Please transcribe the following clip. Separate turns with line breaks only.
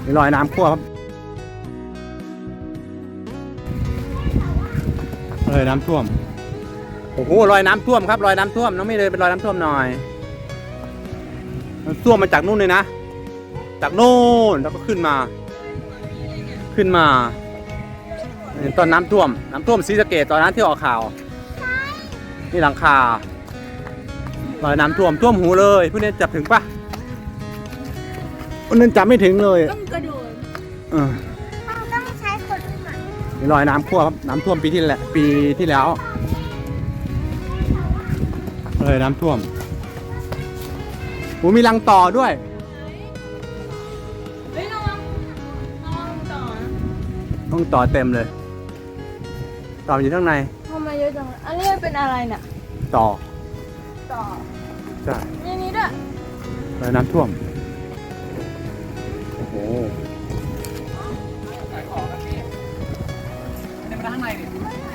มีรอยน้ำท่วมครับเลยน้ำท่วมโอ้โหรอยน้ำท่วมครับรอยน้ำท่วมน้องไม่เลยเป็นรอยน้ำท่วมหน่อยมันท่วมมาจากนู่นเลยนะจากโน่นแล้วก็ขึ้นมาตอนน้ำท่วมศรีสะเกษตอนนั้นที่ออกข่าวนี่หลังคารอยน้ำท่วมหูเลยพวกนี้จับถึงปะพวกนั้นจับไม่ถึงเลย
ต้องกระโดด
ต้องใช้คนอุ้มอ่ะ
มีรอยน้ำท่วมครับน้ำท่วมปีที่แล้วเลยน้ำท่วมโอ้มีรังต่อด้วย
เฮ้ยระวังต่อนะ
ต้องต่อเต็มเลยต่ออยู่ข้างใน
ทำไมเยอะจังอันนี้เป็นอะไรเนี่ย
ต่อใช่
นี่ด้วย
เลยน้ำท่วมโอ้โหขายของกันพี่ไม่ได้มาข้างในดิ